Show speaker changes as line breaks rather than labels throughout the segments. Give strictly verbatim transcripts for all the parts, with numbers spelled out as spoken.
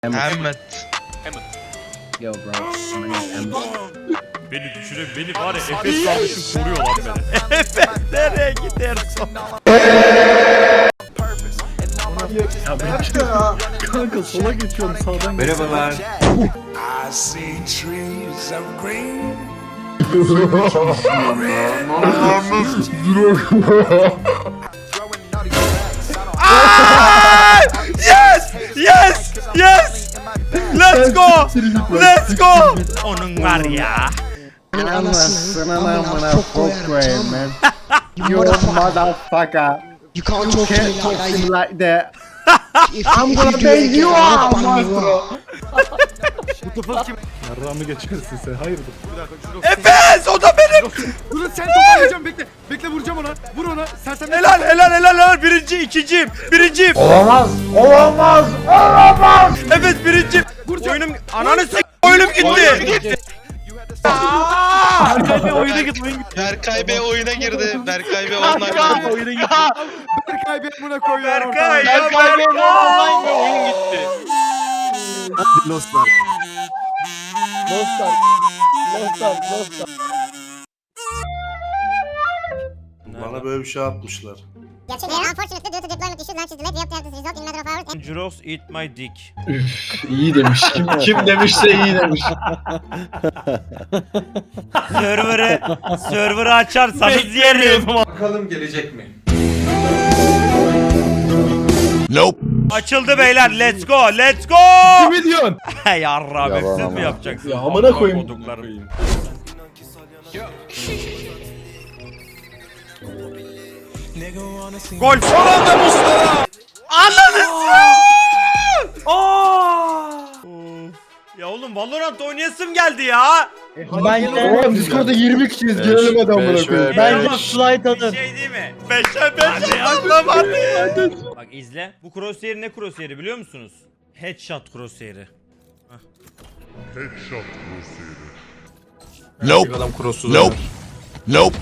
Ahmet.
Yo bro. My name's Emmett.
Beni düşüren beni var ya Efes kardeşim koruyor lan beni. Efes nereye gidersin?
Ya ben kanka sola geçiyorum sağdan.
Merhabalar.
I see trees of green.
Yes! Yes! Yes! Let's go! Let's go! Onun var ya.
Anasını amına koyayım man. You motherfucker.
You can't talk to
Can't
me
talk
like
to me
that.
like that.
If,
I'm
if
gonna
you do
bang
it
you
again,
out,
I'll bang you
maestro.
out.
Yarrağımı geçersin sen, hayırdır?
Efes o da benim.
Dur sen toparlayacağım, bekle. Bekle vuracağım ona. Vur ona. Sen sen
Helal helal helal helal. Birinci ikinciyim. Birinciyim.
Olamaz. Olamaz. Olamaz.
Efes birinciyim. Oyunum ananı s*** oyunum gitti.
Berkay Bey oyuna git, oyuna git.
Berkay Bey oyuna girdi. Berkay Bey online
Oyuna git. Berkay Bey buna koyuyor.
Berkay ya Berkay.
oyun gitti.
Dostlar.
Dostlar. Dostlar. Dostlar.
Bana böyle bir şey atmışlar.
Gerçekten unfortunately due to deployment issues launch is delayed. We hope to have this result in matter of hours. And
Juros eat my dick.
İyi demiş. Kim, kim demişse iyi demiş.
Server'ı server'ı açarsanız yerim.
Bakalım gelecek mi?
Açıldı beyler. Let's go. Let's go.
Ne diyorsun?
Yarrağım siz mi yapacaksınız?
Ya amına koyayım.
Koduklarım. Gol. Anladın Ya oğlum Valorant oynayasım geldi ya.
Ben Oğlum Discord'da yirmi kişiyiz. Gelelim hadi amına koyayım.
Ben de slide atın. Bir şey değil mi? Beşe beşe anlamadım. Bak izle. Bu crosshair ne crosshair'i biliyor musunuz? Headshot crosshair'i.
Nope. Adam cross'u Nope. Nope.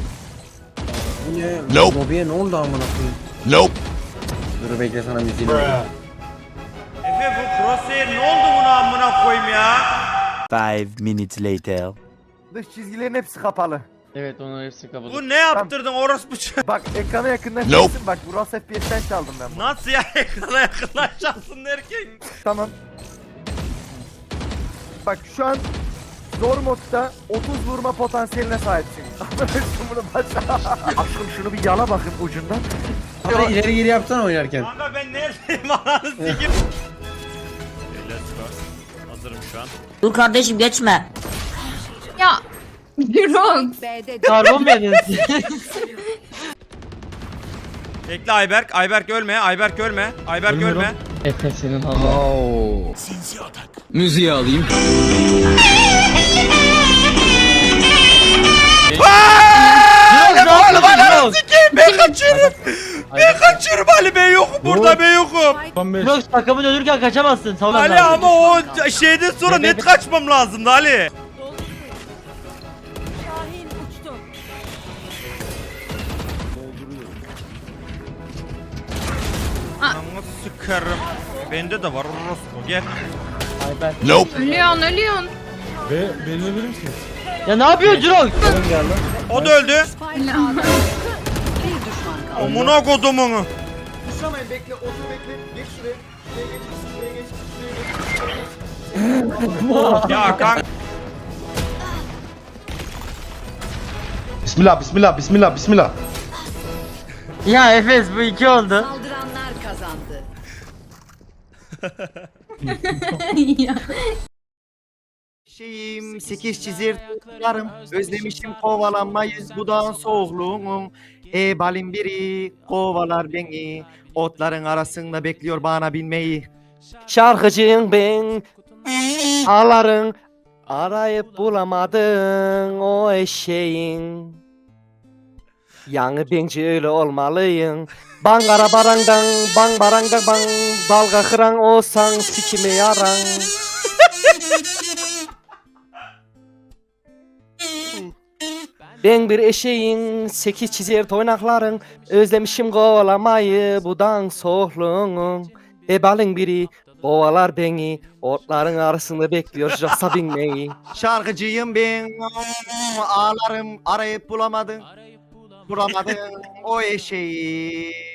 Nope. Lobiye ne oldu amına koyayım?
Nope.
Dur bekle sana müziğini.
Efe bu crosshair ne oldu buna amına koyayım ya?
Five minutes later.
Dış çizgilerin hepsi kapalı.
Evet onun hepsi kapalı.
Bu ne yaptırdın orospu ç-
Bak ekrana yakından
Nope.
Bak bu Ras F P S'ten çaldım ben bunu.
Nasıl ya ekrana yakınlaşacaksın derken?
Tamam. Bak şu an zor modda otuz vurma potansiyeline sahipsin. Bunu başla. Aşkım şunu bir yala bakın ucundan.
Ama ileri geri yapsana oynarken.
Kanka ben neredeyim ananı sikim. Let's go. Hazırım şu an.
Dur kardeşim geçme.
Ya Jirox.
Karbon verdin.
Bekle Ayberk. Ayberk ölme. Ayberk ölme. Ayberk ölme.
Efe senin ama.
Oo.
Müziği alayım.
Oğlum ananı sikeyim. Ben kaçıyorum. Ben kaçıyorum Ali ben yokum burada ben yokum.
Yok takımın ölürken kaçamazsın. Tamam
Ali ama o şeyden sonra net kaçmam lazımdı Ali. Anamı sıkarım. Bende de var orospu gel.
Nope.
Ölüyorsun ölüyorsun.
Ve beni öldürür misiniz?
Ya ne yapıyorsun Jirok?
O da öldü. Amına kodumunu.
Kuşamayın bekle otur bekle. Geç şuraya. Şuraya geç. Şuraya geç. Şuraya geç.
Ya kanka.
Bismillah, bismillah, bismillah, bismillah.
Ya Efes bu iki oldu.
Saldıranlar kazandı.
Şeyim sekiz çizir tutarım. Özlemişim kovalanmayı budağın soğukluğunu. E balin biri kovalar beni. Otların arasında bekliyor bana binmeyi. Şarkıcıyım ben. Ağların arayıp bulamadın o eşeğin. Yani bence öyle olmalıyım. Bangara barangdan, bang barangdan bang. Dalga kıran olsan sikimi yaran. Ben bir eşeğin, sekiz çizer toynakların. Özlemişim kovalamayı, budan soğluğun. E balın biri Kovalar beni, otların arasında bekliyor jasa binmeyi.
Şarkıcıyım ben, ağlarım arayıp bulamadım. Bulamadım o eşeği.